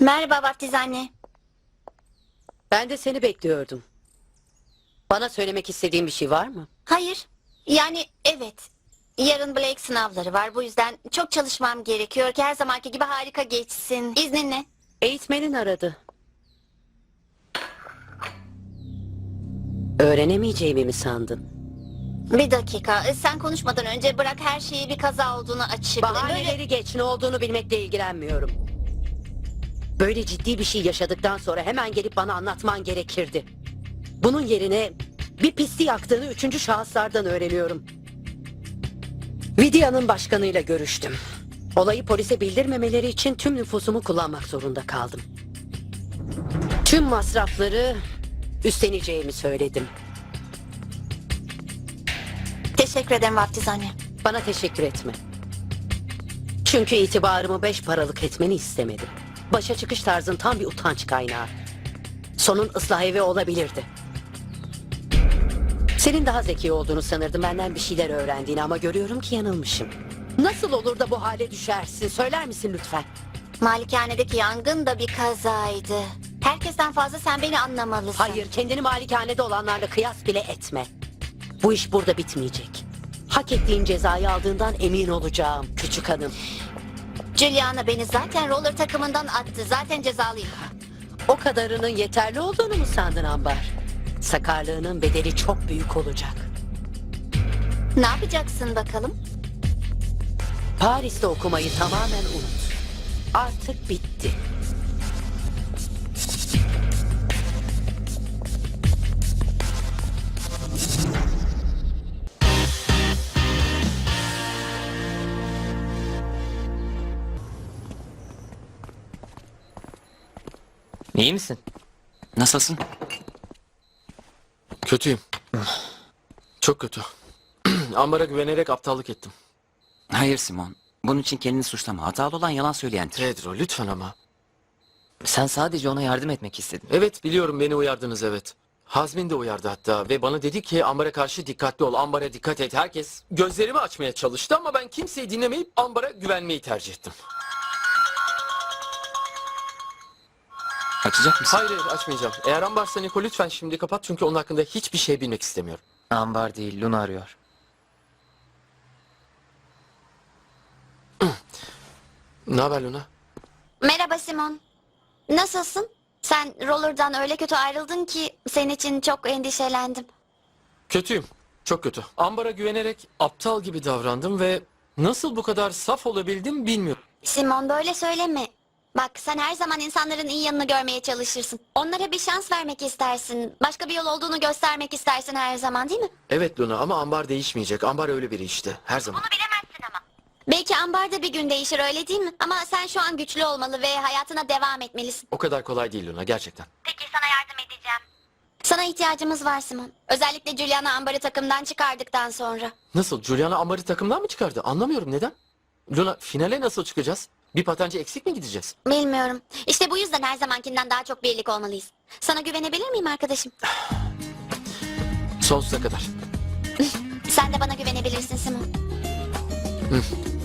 Merhaba vaftiz anne. Ben de seni bekliyordum. Bana söylemek istediğin bir şey var mı? Hayır. Yani evet. Yarın Blake sınavları var. Bu yüzden çok çalışmam gerekiyor ki her zamanki gibi harika geçsin. İzninle. Eğitmenin aradı. Öğrenemeyeceğimi mi sandın? Bir dakika. Sen konuşmadan önce bırak her şeyi bir kaza olduğunu açıklayayım. Bahaneleri geç, ne olduğunu bilmekle ilgilenmiyorum. Böyle ciddi bir şey yaşadıktan sonra hemen gelip bana anlatman gerekirdi. Bunun yerine bir pisti yaktığını üçüncü şahıslardan öğreniyorum. Vidya'nın başkanıyla görüştüm. Olayı polise bildirmemeleri için tüm nüfusumu kullanmak zorunda kaldım. Tüm masrafları üstleneceğimi söyledim. Teşekkür ederim vaftiz anne. Bana teşekkür etme. Çünkü itibarımı 5 paralık etmeni istemedim. Başa çıkış tarzın tam bir utanç kaynağı. Sonun ıslah evi olabilirdi. Senin daha zeki olduğunu sanırdım, benden bir şeyler öğrendiğini, ama görüyorum ki yanılmışım. Nasıl olur da bu hale düşersin, söyler misin lütfen? Malikanedeki yangın da bir kazaydı. Herkesten fazla sen beni anlamalısın. Hayır, kendini malikanede olanlarla kıyas bile etme. Bu iş burada bitmeyecek. Hak ettiğin cezayı aldığından emin olacağım küçük hanım. Juliana beni zaten roller takımından attı. Zaten cezalıyım. O kadarının yeterli olduğunu mu sandın Ambar? Sakarlığının bedeli çok büyük olacak. Ne yapacaksın bakalım? Paris'te okumayı tamamen unut. Artık bitti. İyi misin? Nasılsın? Kötüyüm. Çok kötü. Ambar'a güvenerek aptallık ettim. Hayır Simon. Bunun için kendini suçlama. Hatalı olan yalan söyleyendir. Pedro lütfen ama. Sen sadece ona yardım etmek istedin. Evet biliyorum, beni uyardınız, evet. Hazmin de uyardı hatta ve bana dedi ki Ambar'a karşı dikkatli ol, Ambar'a dikkat et. Herkes gözlerimi açmaya çalıştı ama ben kimseyi dinlemeyip Ambar'a güvenmeyi tercih ettim. Açacak mısın? Hayır açmayacağım. Eğer Ambar'sa Niko lütfen şimdi kapat, çünkü onun hakkında hiçbir şey bilmek istemiyorum. Ambar değil, Luna arıyor. Ne haber Luna? Merhaba Simon. Nasılsın? Sen roller'dan öyle kötü ayrıldın ki senin için çok endişelendim. Kötüyüm. Çok kötü. Ambar'a güvenerek aptal gibi davrandım ve nasıl bu kadar saf olabildim bilmiyorum. Simon böyle söyleme. Bak sen her zaman insanların iyi yanını görmeye çalışırsın. Onlara bir şans vermek istersin. Başka bir yol olduğunu göstermek istersin her zaman, değil mi? Evet Luna, ama Ambar değişmeyecek. Ambar öyle biri işte. Her zaman. Bilemezsin ama. Belki Ambar da bir gün değişir, öyle değil mi? Ama sen şu an güçlü olmalı ve hayatına devam etmelisin. O kadar kolay değil Luna, gerçekten. Peki sana yardım edeceğim. Sana ihtiyacımız var Simon. Özellikle Juliana Ambar'ı takımdan çıkardıktan sonra. Nasıl? Juliana Ambar'ı takımdan mı çıkardı? Anlamıyorum, neden? Luna, finale nasıl çıkacağız? Bir patenci eksik mi gideceğiz? Bilmiyorum. İşte bu yüzden her zamankinden daha çok birlik olmalıyız. Sana güvenebilir miyim arkadaşım? Sonsuza kadar. Sen de bana güvenebilirsin Simon.